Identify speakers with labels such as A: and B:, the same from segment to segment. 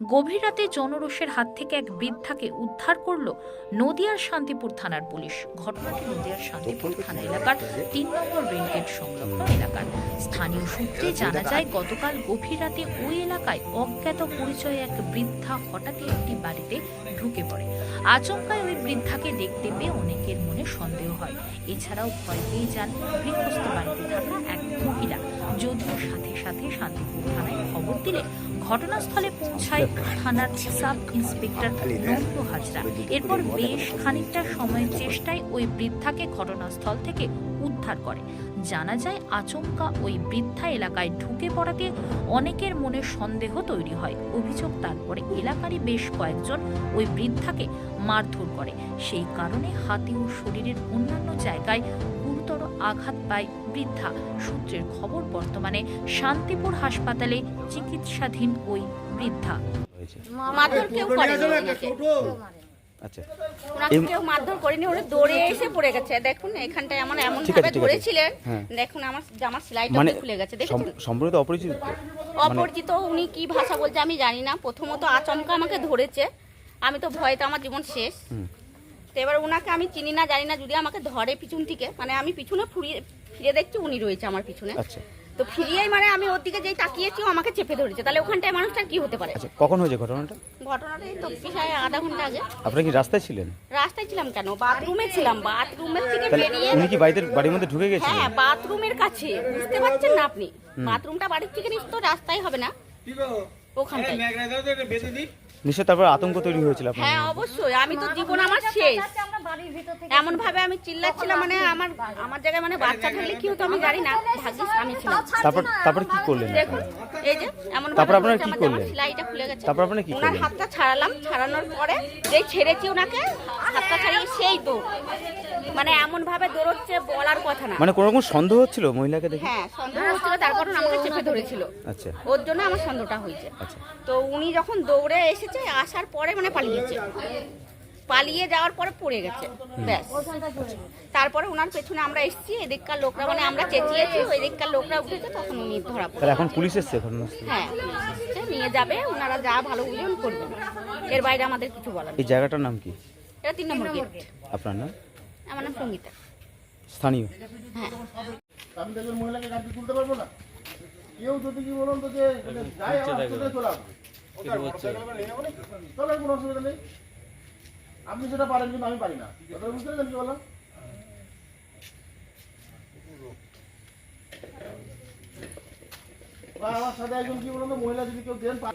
A: গভীর রাতে জনরোষের হাত থেকে এক বৃদ্ধাকে উদ্ধার করল নদিয়ার শান্তিপুর থানার পুলিশ। ঘটনাটি নদিয়ার শান্তিপুর থানা এলাকার ৩ নম্বর রেলগেট সংলগ্ন এলাকার। স্থানীয় সূত্রে জানা যায়, গতকাল গভীর রাতে ওই এলাকায় অজ্ঞাত পরিচয়ে এক বৃদ্ধা হঠাৎই একটি বাড়িতে ঢুকে পড়ে। আচমকায় ওই বৃদ্ধাকে দেখতে পেয়ে অনেকের মনে সন্দেহ হয়। এছাড়াও ভয় পেয়ে যান গৃহস্থ বাড়িতে থাকা এক মহিলা। যদিও সাথে সাথে শান্তিপুর থানায় খবর দিলে ঘটনাস্থলে পৌঁছায় থানার সাব ইন্সপেক্টর নন্দ হাজরা। এরপর বেশ খানিকটা সময়ের চেষ্টায় ওই বৃদ্ধাকে ঘটনাস্থল থেকে উদ্ধার করে। জানা যায়, আচমকা ওই বৃদ্ধা এলাকায় ঢুকে পড়াতে অনেকের মনে সন্দেহ তৈরি হয়। অভিযোগ, তারপরে এলাকারই বেশ কয়েকজন ওই বৃদ্ধাকে মারধর করে। সেই কারণে হাতে ও শরীরের অন্যান্য জায়গায় গুরুতর আঘাত পায় বৃদ্ধা। সূত্রের খবর, বর্তমানে শান্তিপুর হাসপাতালে চিকিৎসাধীন ওই বৃদ্ধা।
B: মারধর কেউ করেনি ওনাকে।
C: আচ্ছা,
B: ওনাকে কেউ মারধর করেনি, ওরা দৌড়ে এসে পড়ে গেছে। দেখুন এখানটায় আমার এমন
C: ঠিক
B: ভাবে
C: আছে, ঠিক আছে।
B: ধরেছিলেন,
C: হ্যাঁ।
B: দেখুন আমার জামার সেলাইটা
C: মানে
B: খুলে গেছে। দেখুন
C: সম্পূর্ণ অপরিচিত তো?
B: অপরিচিত, উনি কি ভাষা বলছে আমি জানি না। প্রথমত আচমকা আমাকে ধরেছে, আমি তো ভয়তে আমার জীবন শেষ। তো এবার ওনাকে আমি চিনি না জানি না, যদি আমাকে ধরে পিছন থেকে, মানে আমি পিছনে ফিরে দেখছি উনি রয়েছে আমার পিছনে।
C: আচ্ছা,
B: তো ফিরিয়েই মানে আমি ওর দিকে যেই তাকিয়েছি, ও আমাকে চেপে ধরেছে। তাহলে ওখানটায় মানুষটার কি হতে পারে?
C: আচ্ছা, কখন হয়েছে ঘটনাটা?
B: ঘটনাটা এই তো প্রায় আধা ঘন্টা আগে।
C: আপনারা কি রাস্তায় ছিলেন?
B: রাস্তায় ছিলাম কেন, বাথরুমে ছিলাম। বাথরুমের থেকে
C: তাহলে
B: বেরিয়ে,
C: উনি কি বাড়ির মধ্যে ঢুকে গেছিলেন?
B: হ্যাঁ বাথরুমের কাছে, বুঝতে পারছেন না আপনি? বাথরুমটা বাড়ির থেকে নিশ্চয় রাস্তায় হবে না, ওখানটায়।
C: নিশ্চয় তারপর আতঙ্ক তৈরি হয়েছিল আপনার?
B: হ্যাঁ অবশ্যই, আমি তো জীবন আমার শেষ। এমন ভাবে আমি চিল্লাচ্ছিলাম, মানে আমার জায়গায় মানে বাচ্চা থাকলে কি হতো আমি জানি না, ভাগ্যিস আমি ছিলাম।
C: তারপর কি করলেন?
B: দেখুন এই যে এমন
C: তারপর
B: ভাবে
C: আপনারা
B: ধরেছে,
C: কি
B: আমার
C: করলেন?
B: জামার সেলাইটা খুলে গেছে।
C: তারপর আপনারা কি
B: ওনার
C: করলেন?
B: হাতটা ছাড়ালাম, ছাড়ানোর পরে যেই ছেড়েছি ওনাকে, হাতটা ছাড়িয়ে সেই দৌড়, মানে এমন ভাবে দৌড়চ্ছে বলার কথা না।
C: মানে কোনো রকম সন্দেহ হচ্ছিল মহিলাকে দেখে?
B: হ্যাঁ সন্দেহ হচ্ছিল, তারপর আমাকে চেপে ধরেছিল।
C: আচ্ছা,
B: ওর জন্য আমার সন্দেহটা হয়েছে।
C: আচ্ছা।
B: তো উনি যখন দৌড়ে এসেছে, আসার পরে মানে পালিয়েছে, পালিয়ে যাওয়ার পরে পড়ে গেছে, ব্যাস। তারপরে ওনার পেছনে আমরা এসেছি, এদিককার লোকরা, মানে আমরা চেঁচিয়েছি, ওই দিককার লোকরা উঠেছে, তখন উনি ধরা পড়ে।
C: তাহলে এখন পুলিশ এসছে ঘটনাস্থলে?
B: হ্যাঁ এসছে, নিয়ে যাবে, ওনারা যা ভালো বুঝবেন করবেন, এর বাইরে আমাদের কিছু বলার নেই।
C: এই জায়গাটার নাম কি?
B: এটা 3 নম্বর গেট।
C: আপনার নাম?
B: আমার নাম সঙ্গীতা।
C: স্থানীয়?
B: হ্যাঁ।
D: আমি দেখবেন মহিলাকে গাড়ি তুলতে পারবো না। কেউ যদি কি বলুন তো যে যাই আমার চলে চলে আসবে, চলো কোনো অসুবিধা নেই। আপনি সেটা পারেন কিন্তু আমি পারি না, কথা বুঝতে পারলেন কি বললাম? বা আমার সাথে একজন কি বলুন তো, মহিলা যদি কেউ দেন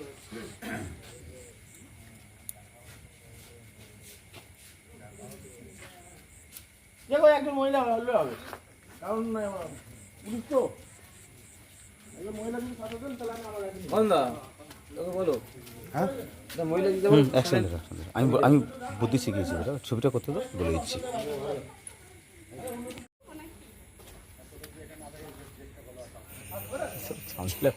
D: দেখো একজন মহিলা হলে হবে, কারণ পুলিশ তো একজন মহিলা যদি সাথে দেন তাহলে আমার
C: আমি বুদ্ধি শিখিয়েছি, ছবিটা করতে তো বলে দিচ্ছি।